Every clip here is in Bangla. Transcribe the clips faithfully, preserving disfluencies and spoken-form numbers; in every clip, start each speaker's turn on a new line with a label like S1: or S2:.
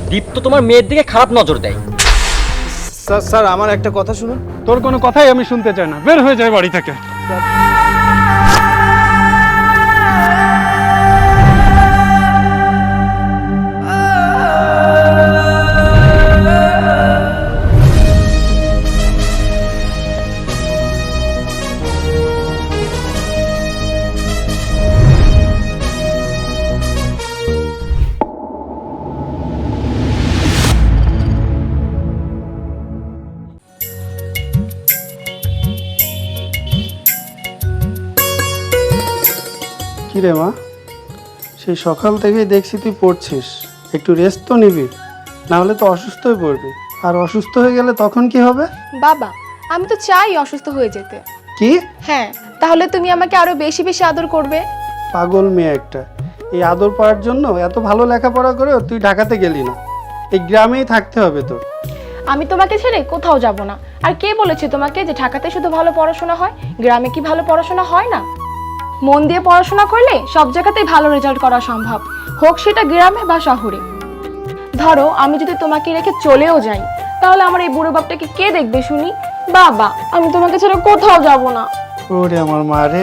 S1: দীপ্ত তোমার মেয়ের দিকে খারাপ নজর দেয়।
S2: স্যার স্যার আমার একটা কথা শুনুন।
S3: তোর কোনো কথাই আমি শুনতে চাই না, বের হয়ে যায় বাড়ি থেকে।
S4: কি রে মা, সেই সকাল থেকেই দেখছি তুই পড়ছিস, একটু রেস্ট তো নিবি, না হলে তো অসুস্থ হয়ে পড়বি। আর অসুস্থ হয়ে গেলে তখন কি হবে?
S5: বাবা, আমি তো চাই অসুস্থ হয়ে যেতে।
S4: কি?
S5: হ্যাঁ, তাহলে তুমি আমাকে আরো বেশি বেশি আদর করবে।
S4: পাগল মেয়ে একটা, এই আদর পাওয়ার জন্য এত ভালো লেখাপড়া করেও তুই ঢাকাতে গেলি না, এই গ্রামেই থাকতে হবে তোর।
S5: আমি তোমাকে ছেড়ে কোথাও যাব না। আর কে বলেছে তোমাকে যে ঢাকাতে শুধু ভালো পড়াশোনা হয়, গ্রামে কি ভালো পড়াশোনা হয় না? মন দিয়ে পড়াশোনা করলে সব জায়গাতেই ভালো রেজাল্ট করা সম্ভব, হোক সেটা গ্রামে বা শহরে। ধরো আমি যদি তোমাকে রেখে চলেও যাই, তাহলে আমার এই বুড়ো বাপটাকে কে দেখবে শুনি? বাবা, আমি তোমাকে ছেড়ে কোথাও যাব না।
S4: ওরে আমার মা রে।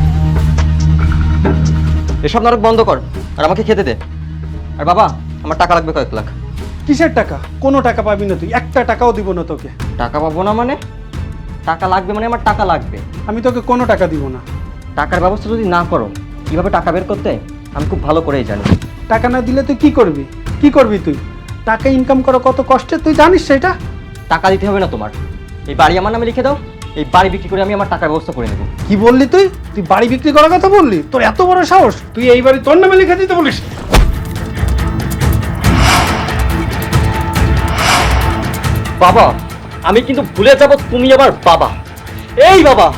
S1: এসব নাটক বন্ধ কর আর আমাকে খেতে দে। আর বাবা, আমার টাকা লাগবে কয়েক লাখ।
S4: কিসের টাকা? কোনো টাকা পাবি না তুই, একটা টাকাও দিব না তোকে।
S1: টাকা পাবো না মানে? টাকা লাগবে মানে আমার টাকা লাগবে।
S4: আমি তোকে কোনো টাকা দিব না।
S1: টাকার ব্যবস্থা যদি না করো, কিভাবে টাকা বের করতে আমি খুব ভালো করেই জানি।
S4: টাকা না দিলে তুই কি করবি? কি করবি তুই? টাকা ইনকাম করা কত কষ্টের তুই জানিস সেটা?
S1: টাকা দিতে হবে না তোমার, এই বাড়ি আমার নামে লিখে দাও, এই বাড়ি বিক্রি করে আমি আমার টাকার ব্যবস্থা করে নেব।
S4: কি বললি তুই? তুই বাড়ি বিক্রি করার কথা বললি? তোর এত বড় সাহস, তুই এই বাড়ি তোর নামে লিখে দিতে বলিস?
S1: বাবা, আমি কিন্তু ভুলে যাব তুমি আমার বাবা। এই বাবা,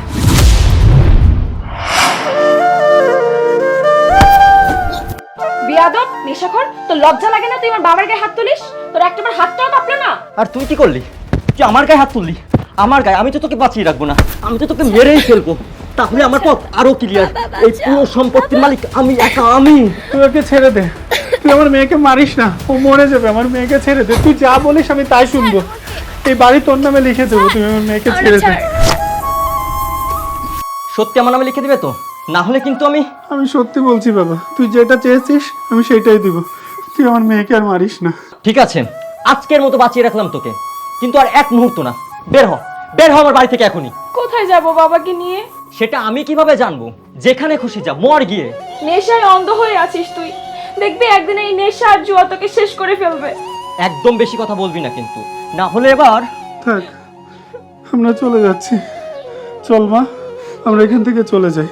S5: বিয়াদব, নেশাখোর, তোর লজ্জা লাগে না তুই আমার বাবার গায়ে হাত তুলিস? তোর একটাবার হাতটাও কাঁপলো না?
S1: আর তুই কি করলি? তুই আমার গায়ে হাত তুললি, আমার গায়ে। আমি তো তোকে বাঁচিয়ে রাখবো না, আমি তো তোকে মেরেই ফেলবো। তাহলে আমার পথ আরো ক্লিয়ার। এই পুরো সম্পত্তির মালিক আমি একা, আমি।
S4: তুই ওকে ছেড়ে দে, তুই আমার মেয়েকে মারিস না, ও মরে যাবে। আমার মেয়েকে ছেড়ে দে, তুই যা বলিস আমি তাই শুনবো। এই বাড়ি তোর নামে লিখে দেবো, তুই আমার মেয়েকে ছেড়ে দে।
S1: সত্যি আমার নামে লিখে দিবে তো? না হলে কিন্তু আমি
S4: আমি সত্যি বলছি বাবা, তুই যেটা চেয়েছিস আমি সেটাই দিব, তুই আমার মেয়েকে আর মারিস না।
S1: ঠিক আছে, আজকের মতো বাঁচিয়ে রাখলাম তোকে, কিন্তু আর এক মুহূর্ত না। বের হ, বের হ আমার বাড়ি থেকে এখনই।
S5: কোথায় যাব বাবাকে নিয়ে?
S1: সেটা আমি কিভাবে জানবো? যেখানে খুশি যা, মর গিয়ে।
S5: নেশায় অন্ধ হয়ে আছিস তুই, দেখবি একদিন এই নেশা আর জুয়া তোকে শেষ করে ফেলবে।
S1: একদম বেশি কথা বলবি না কিন্তু, না হলে এবার।
S4: থাক, আমরা চলে যাচ্ছি। চল মা, আমরা এখান থেকে চলে যাই।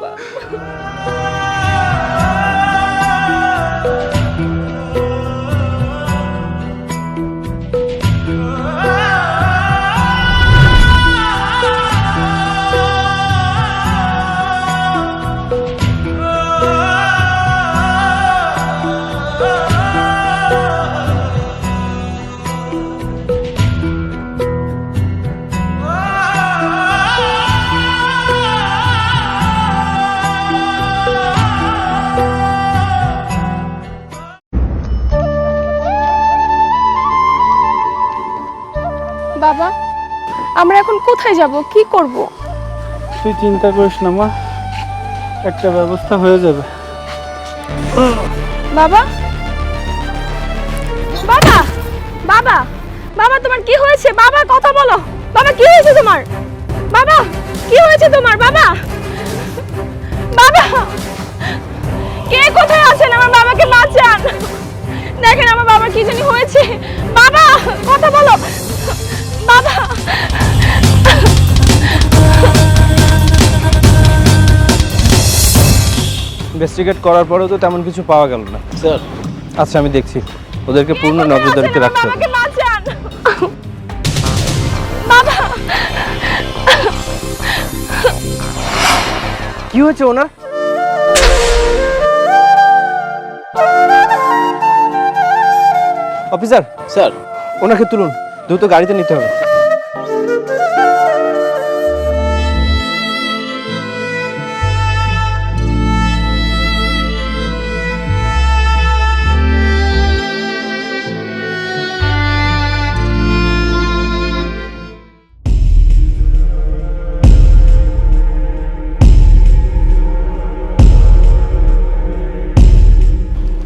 S5: বাবা, আমরা এখন কোথায় যাব, কি করব?
S4: তুই চিন্তা করিস না মা, একটা ব্যবস্থা হয়ে যাবে।
S5: বাবা, বাবা, বাবা, বাবা, তোমার কি হয়েছে? বাবা, কথা বলো। বাবা, কি হয়েছে তোমার? বাবা, কি হয়েছে তোমার? বাবা, বাবা, কে কোথায় আছেন? আমার বাবাকে বাঁচান। দেখেন আমার বাবা কি জানি হয়েছে। বাবা, কথা বলো। বাবা,
S2: ইনভেস্টিগেট করার পরেও তো তেমন কিছু পাওয়া গেল না স্যার। আচ্ছা, আমি দেখছি, ওদেরকে পূর্ণ নজরদারিতে রাখতে হবে।
S5: বাবাকে বাঁচান। বাবা,
S2: কি হয়েছে ওনার? অফিসার স্যার, ওনাকে তুলুন, দ্রুত গাড়িতে নিতে হবে।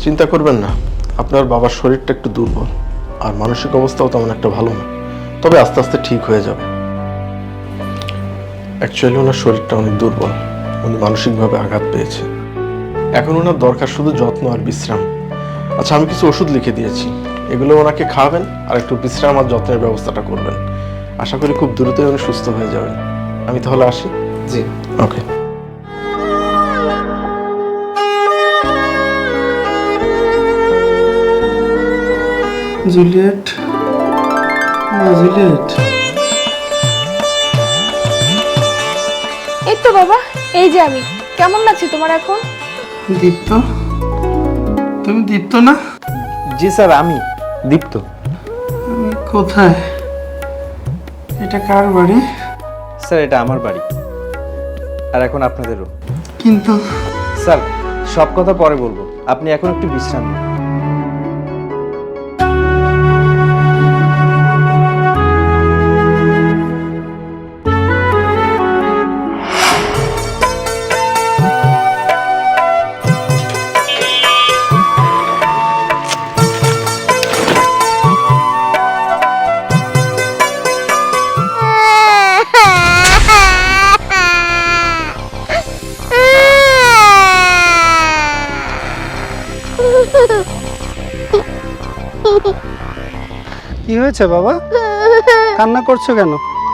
S6: চিন্তা করবেন না, আপনার বাবার শরীরটা একটু দুর্বল আর মানসিক অবস্থাও তেমন একটা ভালো না, তবে আস্তে আস্তে ঠিক হয়ে যাবে। অ্যাকচুয়ালি ওনার শরীরটা অনেক দুর্বল, উনি মানসিকভাবে আঘাত পেয়েছে। এখন ওনার দরকার শুধু যত্ন আর বিশ্রাম। আচ্ছা, আমি কিছু ওষুধ লিখে দিয়েছি, এগুলো ওনাকে খাওয়াবেন আর একটু বিশ্রাম আর যত্নের ব্যবস্থাটা করবেন। আশা করি খুব দ্রুতই উনি সুস্থ হয়ে যাবেন। আমি তাহলে আসি।
S2: জি।
S6: ওকে।
S4: জুলিয়েট, মা জুলিয়েট।
S5: এই তো বাবা, এই যে আমি। কেমন লাগছে তোমার এখন?
S4: দীপ্ত, তুমি দীপ্ত না?
S2: জি স্যার, আমি দীপ্ত।
S4: আমি কোথায়? এটা কার বাড়ি?
S2: স্যার, এটা আমার বাড়ি, আর এখন আপনাদেরও।
S4: কিন্তু
S2: স্যার, সব কথা পরে বলবো, আপনি এখন একটু বিশ্রাম নিন।
S4: কি হয়েছে বাবা? কান্না করছো কেন?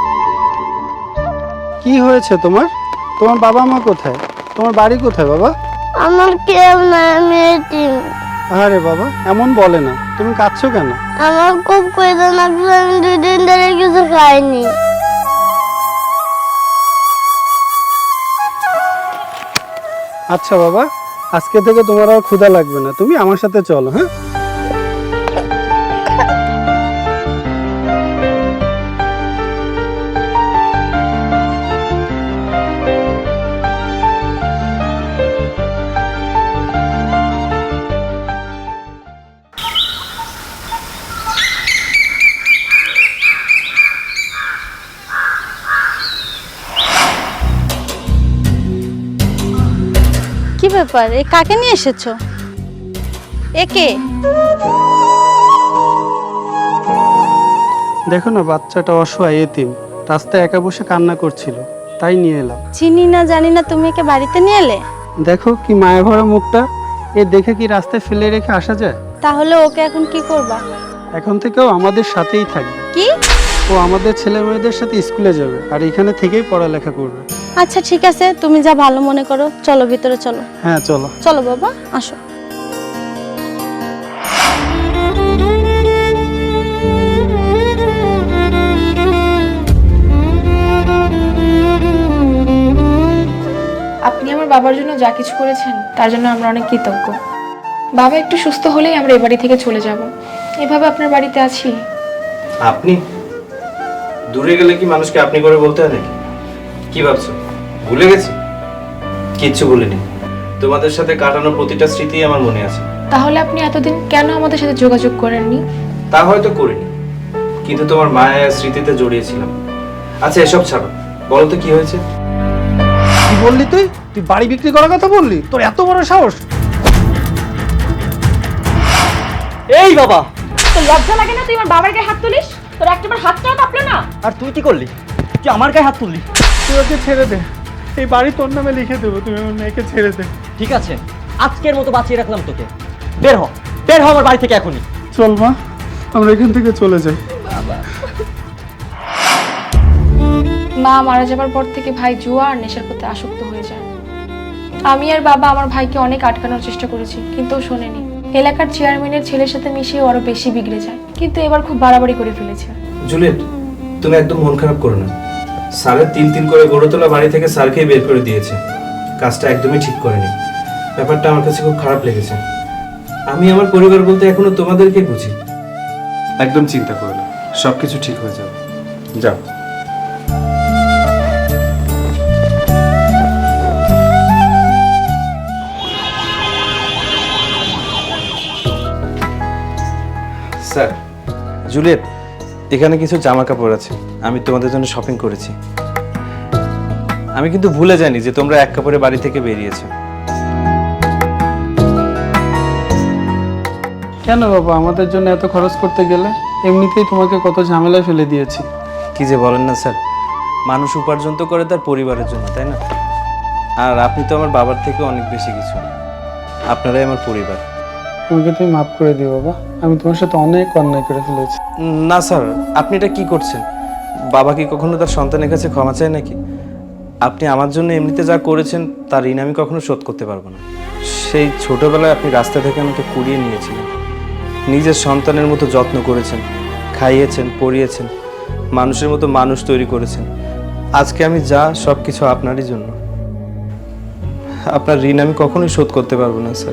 S4: কি হয়েছে তোমার? তোমার বাবা মা কোথায়? তোমার বাড়ি কোথায় বাবা?
S7: আমার কেউ নাই, আমি এতিম।
S4: আরে বাবা, এমন বলে না। তুমি কাঁদছো কেন?
S7: আমার খুব খিদে লাগছে, আমি দুই দিন ধরে কিছু খাইনি।
S4: আচ্ছা বাবা, আজকে থেকে তোমার আর ক্ষুধা লাগবে না, তুমি আমার সাথে চলো। হ্যাঁ,
S7: কি ব্যাপার, এ কাকে নিয়ে এসেছো? একে?
S4: দেখো না, বাচ্চাটা অসহায়, এতিম, রাস্তায় একা বসে কান্না করছিল, তাই নিয়ে এলাম।
S7: চিনি না জানি না, তুমি একে বাড়িতে নিয়ে এলে?
S4: দেখো কি মায়া ভরা মুখটা, এ দেখে কি রাস্তায় ফেলে রেখে আসা যায়?
S7: তাহলে ওকে এখন কি করবা?
S4: এখন থেকেও আমাদের সাথেই থাকবে।
S7: কি?
S4: ও আমাদের ছেলে মেয়েদের সাথে স্কুলে যাবে আর এখানে থেকেই পড়ালেখা করবে।
S7: আচ্ছা ঠিক আছে, তুমি যা ভালো মনে করো। চলো ভিতরে চলো।
S4: হ্যাঁ চলো।
S7: চলো বাবা, আসো।
S5: আপনি আমার বাবার জন্য যা কিছু করেছেন তার জন্য আমরা অনেক কৃতজ্ঞ। বাবা একটু সুস্থ হলেই আমরা এই বাড়ি থেকে চলে যাব। এভাবে আপনার বাড়িতে আছি।
S2: আপনি দূরে গেলে কি মানুষকে আপনি করে বলতে হয় নাকি? কি ভাবছো ভুলে গেছি? কিচ্ছু ভুলিনি, তোমাদের সাথে কাটানো প্রতিটা স্মৃতি আমার মনে আছে।
S5: তাহলে আপনি এতদিন কেন আমাদের সাথে যোগাযোগ করেননি?
S2: তা হয়তো করিনি, কিন্তু তোমার মায়া স্মৃতিতে জড়িয়েছিলাম। আচ্ছা এসব ছাড়ো, বলো তো কি হয়েছে?
S4: কি বললি তুই? তুই বাড়ি বিক্রি করার কথা বললি? তোর এত বড় সাহস!
S1: এই বাবা,
S5: তোর লজ্জা লাগে না তুই আমার বাবার গায়ে হাত তুলিস? তোর একটাবার হাতটাও কাঁপলো না?
S1: আর তুই কি করলি? তুই আমার গায়ে হাত তুললি।
S3: তুই ওকে ছেড়ে দে, এই বাড়ি তোর নামে লিখে দেবো, তুমি আমার মেয়েকে ছেড়ে দে।
S1: ঠিক আছে, আজকের মতো বাঁচিয়ে রাখলাম তোকে। বের হ, বের হ আমার বাড়ি থেকে এখনই।
S4: চল মা, আমরা এখান থেকে চলে যাই।
S5: মা মারা যাবার পর থেকে ভাই জুয়া আর নেশার প্রতি আসক্ত হয়ে যায়। আমি আর বাবা আমার ভাইকে অনেক আটকানোর চেষ্টা করেছি, কিন্তু ও শোনেনি। এলাকার চেয়ারম্যানের ছেলের সাথে মিশিয়ে আরো বেশি বিগড়ে যায়, কিন্তু এবার খুব বাড়াবাড়ি করে ফেলেছে।
S2: জুলিয়েট, তুমি একদম মন খারাপ করো না। স্যারের তিল তিল করে গড়ে তোলা বাড়ি থেকে স্যারকেই বের করে দিয়েছে। কাজটা একদমই ঠিক করেনি। ব্যাপারটা আমার কাছে খুব খারাপ লেগেছে। আমি আমার পরিবার বলতে এখনো তোমাদেরকে বুঝি। একদম চিন্তা করো না, সবকিছু ঠিক হয়ে যাবে। যাও। স্যার, জুলিয়েট, এখানে কিছু জামা কাপড় আছে, আমি তোমাদের জন্য শপিং করেছি। আমি কিন্তু ভুলে যাইনি যে তোমরা এক কাপড়ে বাড়ি থেকে বেরিয়েছো।
S4: কেন বাবা আমাদের জন্য এত খরচ করতে গেলে? এমনিতেই তোমাকে কত ঝামেলায় ফেলে দিয়েছি।
S2: কি যে বলেন না স্যার, মানুষ উপার্জন তো করে তার পরিবারের জন্য, তাই না? আর আপনি তো আমার বাবার থেকে অনেক বেশি কিছু, আপনারাই আমার পরিবার।
S4: আমাকে তুমি মাফ করে দিও বাবা, আমি তোমার সাথে অনেক অন্যায় করে ফেলেছি।
S2: না স্যার, আপনি এটা কি করছেন? বাবা কি কখনো তার সন্তানের কাছে ক্ষমা চায় নাকি? আপনি আমার জন্য এমনিতে যা করেছেন তার ঋণ আমি কখনো শোধ করতে পারবো না। সেই ছোটবেলায় আপনি রাস্তা থেকে আমাকে কুড়িয়ে নিয়েছিলেন, নিজের সন্তানের মতো যত্ন করেছেন, খাইয়েছেন, পরিয়েছেন, মানুষের মতো মানুষ তৈরি করেছেন। আজকে আমি যা, সব কিছু আপনারই জন্য। আপনার ঋণ আমি কখনোই শোধ করতে পারবো না স্যার।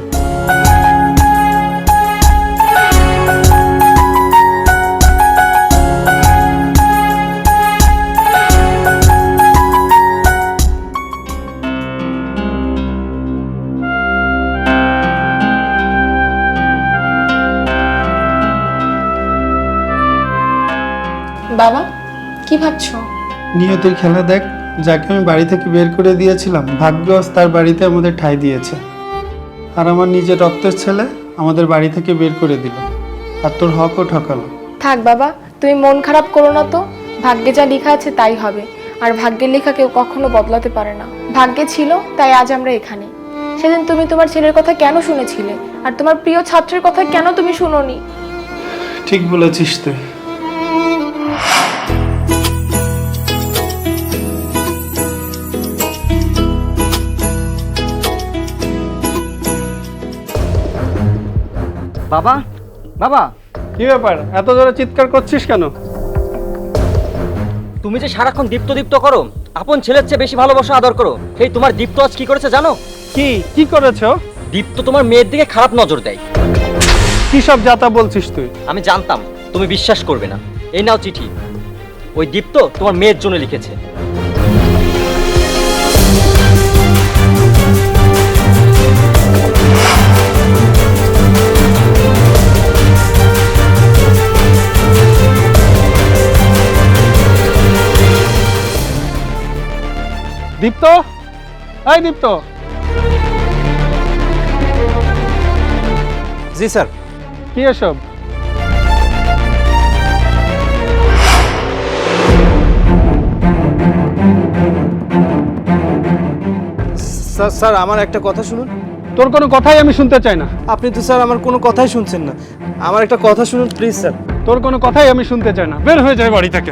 S5: বাবা, কি ভাবছো?
S4: নিয়তির খেলা দেখ, যাকে আমি বাড়ি থেকে বের করে দিয়েছিলাম ভাগ্যবশ তার বাড়িতে আমাদের ঠাঁই দিয়েছে। আর আমার নিজের রক্তের ছেলে আমাদের বাড়ি থেকে বের করে দিল, আর তোর হকও ঠকালো।
S5: থাক বাবা, তুমি মন খারাপ করো না তো। ভাগ্যে যা লেখা আছে তাই হবে, আর ভাগ্যের লেখা কেউ কখনো বদলাতে পারে না। ভাগ্যে ছিল তাই আজ আমরা এখানে। সেদিন তুমি তোমার ছেলের কথা কেন শুনেছিলে, আর তোমার প্রিয় ছাত্রের কথা কেন তুমি শুনোনি?
S4: ঠিক বলেছিস তুই।
S1: বাবা, বাবা,
S4: কি ব্যাপার, এত জোরে চিৎকার করছিস কেন?
S1: তুমি যে সারাক্ষণ দীপ্ত দীপ্ত করো, আপন ছেলের চেয়ে বেশি ভালোবাসা আদর করো, সেই তোমার দীপ্ত আজ কি করেছে জানো?
S4: কি কি করেছো?
S1: দীপ্ত তোমার মেয়ের দিকে খারাপ নজর দেয়।
S4: কি সব যাতা বলছিস তুই?
S1: আমি জানতাম তুমি বিশ্বাস করবে না। এই নাও চিঠি, ওই দীপ্ত তোমার মেয়ের জন্য লিখেছে।
S4: দীপ্ত, এই দীপ্ত।
S2: জি স্যার।
S4: কি এসব?
S2: স্যার স্যার আমার একটা কথা শুনুন।
S4: তোর কোনো কথাই আমি শুনতে চাই না।
S2: আপনি তো স্যার আমার কোনো কথাই শুনছেন না। আমার একটা কথা শুনুন প্লিজ স্যার।
S4: তোর কোনো কথাই আমি শুনতে চাই না, বের হয়ে যায় বাড়ি থেকে।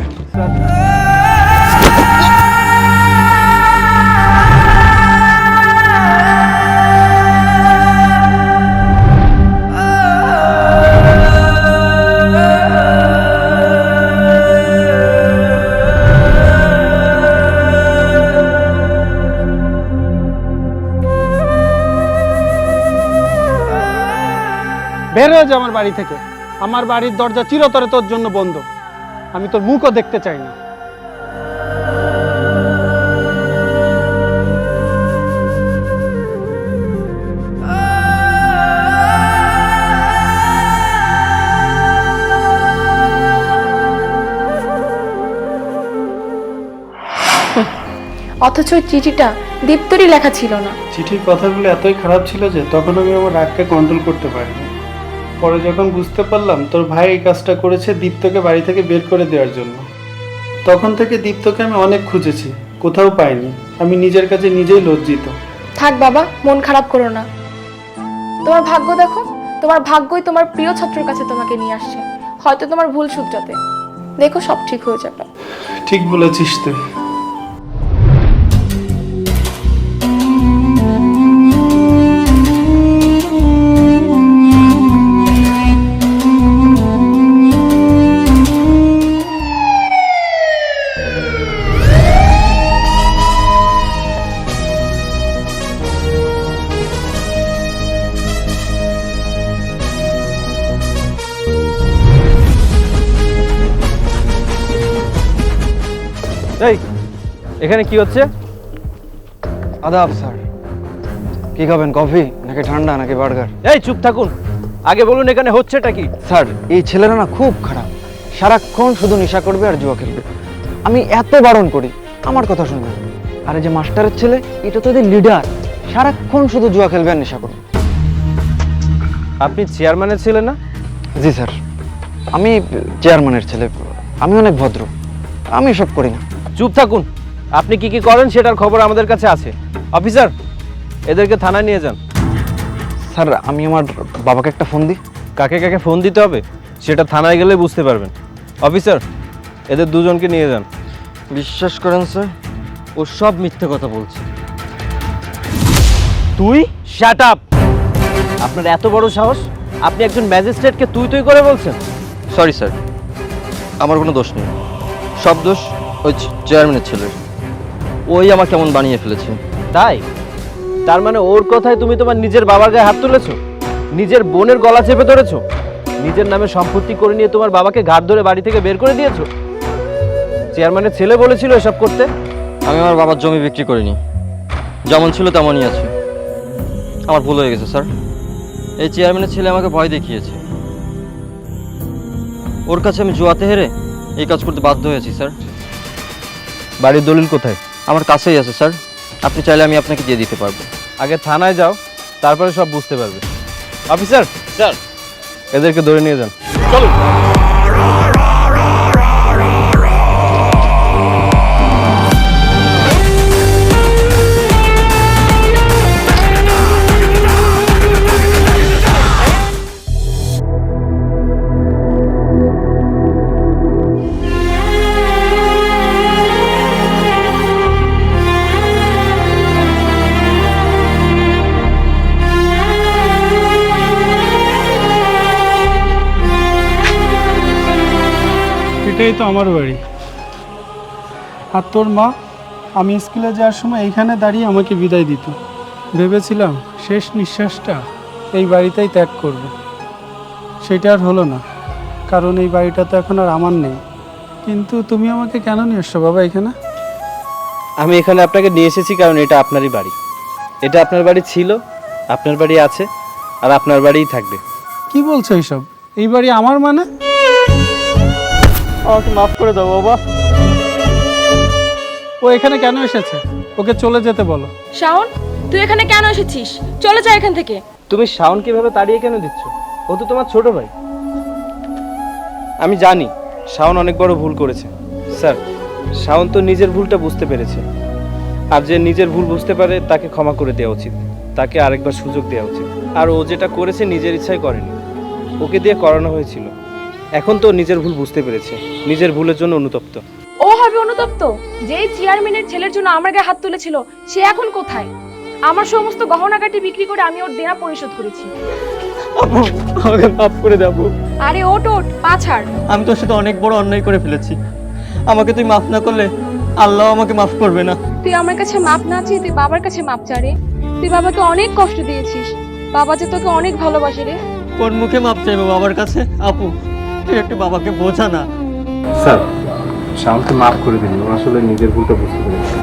S4: বের হয়ে যা আমার বাড়ি থেকে। আমার বাড়ির দরজা চিরতরে তোর জন্য বন্ধ। আমি তোর মুখও দেখতে চাই না।
S5: অথচ ওই চিঠিটা দীপ্তরই লেখা ছিল না।
S4: চিঠির কথাগুলো এতই খারাপ ছিল যে তখন আমি আমার রাগকে কন্ট্রোল করতে পারিনি। পরে যখন বুঝতে পারলাম তোর ভাই এই কাজটা করেছে দীপ্তকে বাড়ি থেকে বের করে দেওয়ার জন্য, তখন থেকে দীপ্তকে আমি অনেক খুঁজেছি, কোথাও পাইনি। আমি নিজের কাছে নিজেই লজ্জিত।
S5: থাক বাবা, মন খারাপ করো না। তোমার ভাগ্য দেখো, তোমার ভাগ্যই তোমার প্রিয় ছাত্রের কাছে তোমাকে নিয়ে আসছে, হয়তো তোমার ভুল শুধরাতে। দেখো সব ঠিক হয়ে যাবে।
S4: ঠিক বলেছিস তুই।
S2: এই এখানে কি হচ্ছে?
S8: আদাব স্যার, কি খাবেন, কফি নাকি ঠান্ডা নাকি বার্গার?
S2: এই চুপ থাকুন, আগে বলুন এখানে হচ্ছেটা কি?
S8: স্যার এই ছেলেরা না খুব খারাপ, সারাক্ষণ শুধু নেশা করবে আর জুয়া খেলবে। আমি এত বারণ করি, আমার কথা শুনবে না। আর এই যে মাস্টারের ছেলে, এটা তো এদের লিডার, সারাক্ষণ শুধু জুয়া খেলবে আর নেশা করবে।
S2: আপনি চেয়ারম্যানের ছেলে না?
S8: জি স্যার, আমি চেয়ারম্যানের ছেলে, আমি অনেক ভদ্র, আমি এসব করি না।
S2: চুপ থাকুন। আপনি কি কি করেন সেটার খবর আমাদের কাছে আছে। অফিসার, এদেরকে থানায় নিয়ে যান।
S8: স্যার আমি আমার বাবাকে একটা ফোন দিই।
S2: কাকে কাকে ফোন দিতে হবে সেটা থানায় গেলে বুঝতে পারবেন। অফিসার, এদের দুজনকে নিয়ে যান।
S1: বিশ্বাস করেন স্যার, ও সব মিথ্যে কথা বলছে। তুই
S2: শাট আপ! আপনার এত বড় সাহস, আপনি একজন ম্যাজিস্ট্রেটকে তুই তুই করে বলছেন?
S1: সরি স্যার, আমার কোনো দোষ নেই, সব দোষ ওই চেয়ারম্যানের ছেলের। ওই আমাকে কেমন বানিয়ে ফেলেছে।
S2: তাই? তার মানে ওর কথায় তুমি তোমার নিজের বাবার গায়ে হাত তুলেছো, নিজের বোনের গলা চেপে ধরেছো, নিজের নামে সম্পত্তি করে নিয়ে তোমার বাবাকে ঘাট ধরে বাড়ি থেকে বের করে দিয়েছো। চেয়ারম্যানের ছেলে বলেছিল এসব করতে।
S1: আমি আমার বাবার জমি বিক্রি করিনি, যেমন ছিল তেমনই আছে। আমার ভুল হয়ে গেছে স্যার। এই চেয়ারম্যানের ছেলে আমাকে ভয় দেখিয়েছে, ওর কাছে আমি জুয়াতে হেরে এই কাজ করতে বাধ্য হয়েছি স্যার।
S2: বাড়ির দলিল কোথায়?
S1: আমার কাছেই আছে স্যার, আপনি চাইলে আমি আপনাকে দিয়ে দিতে পারবো।
S2: আগে থানায় যাও, তারপরে সব বুঝতে পারবে। অফিসার স্যার, এদেরকে ধরে নিয়ে যান। চলো।
S4: এটাই তো আমার বাড়ি। আর তোর মা আমি স্কুলে যাওয়ার সময় এইখানে দাঁড়িয়ে আমাকে বিদায় দিত। ভেবেছিলাম শেষ নিঃশ্বাসটা এই বাড়িতেই ত্যাগ করব, সেটা আর হলো না, কারণ এই বাড়িটা তো এখন আর আমার নেই। কিন্তু তুমি আমাকে কেন নিয়ে এসছো বাবা এখানে?
S2: আমি এখানে আপনাকে নিয়ে এসেছি কারণ এটা আপনারই বাড়ি। এটা আপনার বাড়ি ছিল, আপনার বাড়ি আছে, আর আপনার বাড়িই থাকবে।
S4: কি বলছো এইসব? এই বাড়ি আমার মানে?
S1: আমাকে মাফ করে দাও বাবা।
S4: ও এখানে কেন এসেছে? ওকে চলে যেতে বলো।
S5: শাওন, তুই এখানে কেন এসেছিস? চলে যা এখান থেকে।
S2: তুমি শাওন কিভাবে তাড়িয়ে কেন দিচ্ছ? ও তো তোমার ছোট ভাই। আমি জানি শাওন অনেক বড় ভুল করেছে স্যার। শাওন তো নিজের ভুলটা বুঝতে পেরেছে, আর যে নিজের ভুল বুঝতে পারে তাকে ক্ষমা করে দেওয়া উচিত, তাকে আরেকবার সুযোগ দেওয়া উচিত। আর ও যেটা করেছে নিজের ইচ্ছায় করেনি, ওকে দিয়ে করানো হয়েছিল। এখন তো নিজের ভুল বুঝতে পেরেছে, নিজের ভুলের জন্য অনুতপ্ত।
S5: ও হবে অনুতপ্ত? যেই চেয়ারম্যানের ছেলের জন্য আমার গায়ে হাত তুলেছিল সে এখন কোথায়? আমার সমস্ত গহনাগাটি বিক্রি করে আমি ওর দেনা পরিশোধ করেছি।
S1: আমাকে মাফ করে দাও।
S5: আরে ওট ওট, পা ছাড়।
S1: আমি তোর সাথে অনেক বড় অন্যায় করে ফেলেছি, আমাকে তুই মাফ না করলে আল্লাহ আমাকে মাফ করবে না।
S5: তুই আমার কাছে মাপ না চেয়ে তুই বাবার কাছে মাপ চা রে। তুই বাবাকে অনেক কষ্ট দিয়েছিস, বাবা যে তোকে অনেক ভালোবাসে রে।
S1: কোন মুখে মাপ চাইবো বাবার কাছে? আপু তুই একটু বাবাকে বোঝা না।
S2: স্যার, শাওনকে মাফ করে দিন, ও আসলে নিজের ভুলটা বুঝতে পেরেছে।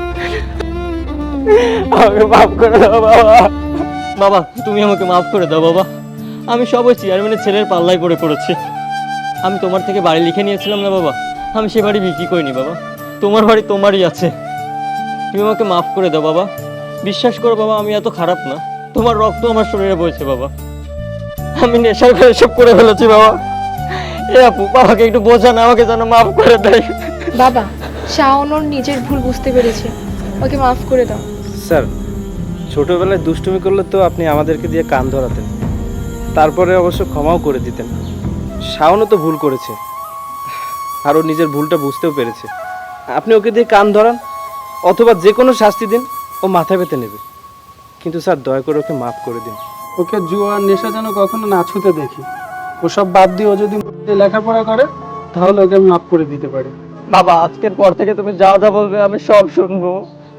S1: আমাকে মাফ করে দাও বাবা। বাবা তুমি আমাকে মাফ করে দাও বাবা। আমি সব ওই চেয়ারম্যানের ছেলের পাল্লায় পড়ে পড়েছি। আমি তোমার থেকে বাড়ি লিখে নিয়েছিলাম না বাবা, আমি সে বাড়ি বিক্রি করিনি বাবা। তোমার বাড়ি তোমারই আছে, তুমি আমাকে মাফ করে দাও বাবা। বিশ্বাস করো বাবা, আমি এত খারাপ না, তোমার রক্ত আমার শরীরে বইছে বাবা। আমি নেশার করে সব করে ফেলেছি বাবা। এ আপু বাবাকে একটু বোঝা না, আমাকে যেন মাফ করে দেয়।
S5: বাবা, শাওন ওর নিজের ভুল বুঝতে পেরেছে, ওকে মাফ করে দাও।
S2: স্যার, ছোটবেলায় দুষ্টুমি করলে তো আপনি আমাদেরকে দিয়ে কান ধরাতেন, তারপরে অবশ্য ক্ষমাও করে দিতেন। শাওনও তো ভুল করেছে, আর ও নিজের ভুলটা বুঝতেও পেরেছে। আপনি ওকে দিয়ে কান ধরান অথবা যে কোনো শাস্তি দিন, ও মাথা পেতে নেবে। কিন্তু স্যার দয়া করে ওকে মাফ করে দিন।
S4: ওকে জুয়া আর নেশা যেন কখনো না ছুতে দেখি। ওসব বাদ দিয়ে ও যদি লেখাপড়া করে তাহলে ওকে আমি মাফ করে দিতে পারি।
S1: বাবা আজকের পর থেকে তুমি যা যা বলবে আমি সব শুনবো।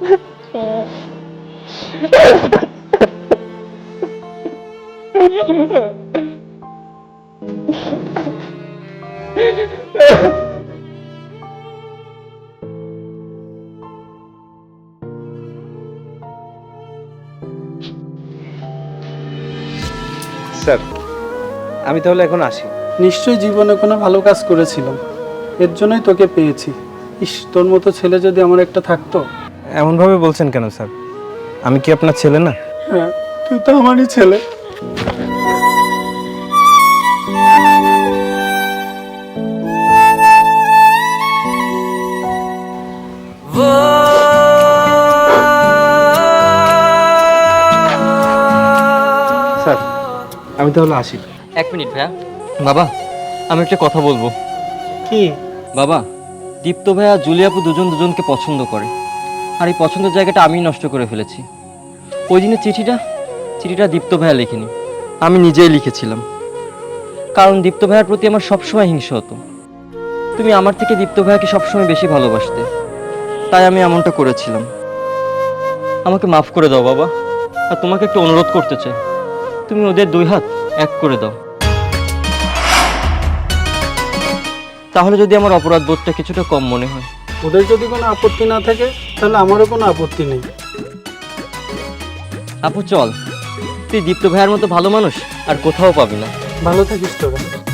S2: স্যার, আমি তাহলে এখন আসি।
S4: নিশ্চয়ই জীবনে কোনো ভালো কাজ করেছিলাম, এর জন্যই তোকে পেয়েছি। ইস, তোর মতো ছেলে যদি আমার একটা থাকতো।
S2: এমনভাবে বলছেন কেন স্যার? আমি কি আপনার ছেলে না?
S4: হ্যাঁ, তুই তো আমারই ছেলে। আমি তাহলে আসি।
S1: এক মিনিট ভাইয়া। বাবা, আমি একটা কথা বলবো।
S4: কি?
S1: বাবা, দীপ্ত ভাইয়া জুলিয়াপু দুজন দুজনকে পছন্দ করে, আর এই পছন্দের জায়গাটা আমি নষ্ট করে ফেলেছি। ওই দিনের চিঠিটা চিঠিটা দীপ্ত ভাইয়া লেখেনি, আমি নিজেই লিখেছিলাম। কারণ দীপ্ত ভাইয়ার প্রতি আমার সবসময় হিংসা হতো। তুমি আমার থেকে দীপ্ত ভাইয়াকে সবসময় বেশি ভালোবাসতে, তাই আমি এমনটা করেছিলাম। আমাকে মাফ করে দাও বাবা। আর তোমাকে একটু অনুরোধ করতে চাই, তুমি ওদের দুই হাত এক করে দাও। তাহলে যদি আমার অপরাধ বোধটা কিছুটা কম মনে হয়।
S4: ওদের যদি কোনো আপত্তি না থাকে তাহলে আমারও কোনো আপত্তি নেই।
S1: আপু চল, তুই দীপ্ত ভাইয়ার মতো ভালো মানুষ আর কোথাও পাবি না।
S4: ভালো থাকিস তোরা।